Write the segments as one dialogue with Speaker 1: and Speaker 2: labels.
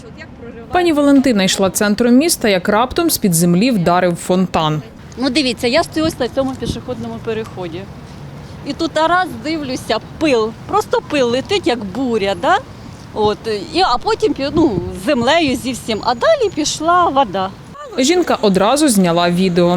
Speaker 1: Пані Валентина йшла центром міста, як раптом з-під землі вдарив фонтан.
Speaker 2: Ну дивіться, я стою ось на цьому пішохідному переході. І тут раз дивлюся, пил, просто пил летить, як буря, да? А потім з землею зі всім, а далі пішла вода.
Speaker 1: Жінка одразу зняла відео.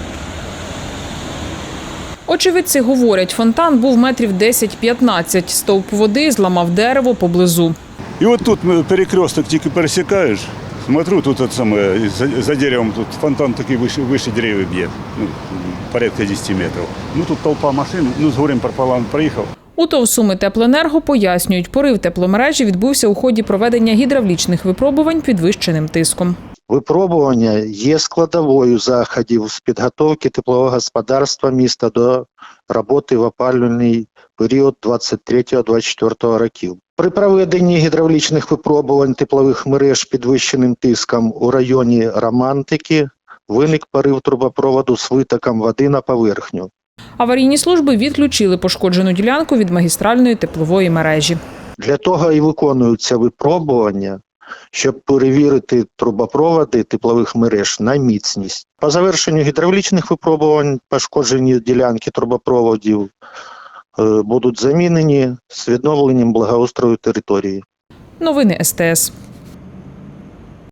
Speaker 1: Очевидці говорять, фонтан був метрів 10-15. Стовп води зламав дерево поблизу.
Speaker 3: І от тут перекресток тільки пересікаєш, смотрю, тут за деревом тут фонтан такий вище деревів б'є, порядка 10 метрів. Тут толпа машин, з горем пополам проїхав.
Speaker 1: У ТОВ «Суми Теплоенерго» пояснюють, порив тепломережі відбувся у ході проведення гідравлічних випробувань підвищеним тиском.
Speaker 4: Випробування є складовою заходів з підготовки теплового господарства міста до роботи в опалювальний період 23-24 років. При проведенні гідравлічних випробувань теплових мереж підвищеним тиском у районі Романтики виник порив трубопроводу з витоком води на поверхню.
Speaker 1: Аварійні служби відключили пошкоджену ділянку від магістральної теплової мережі.
Speaker 4: Для того і виконуються випробування, щоб перевірити трубопроводи теплових мереж на міцність. По завершенню гідравлічних випробувань пошкоджені ділянки трубопроводів будуть замінені з відновленням благоустрою території.
Speaker 1: Новини СТС.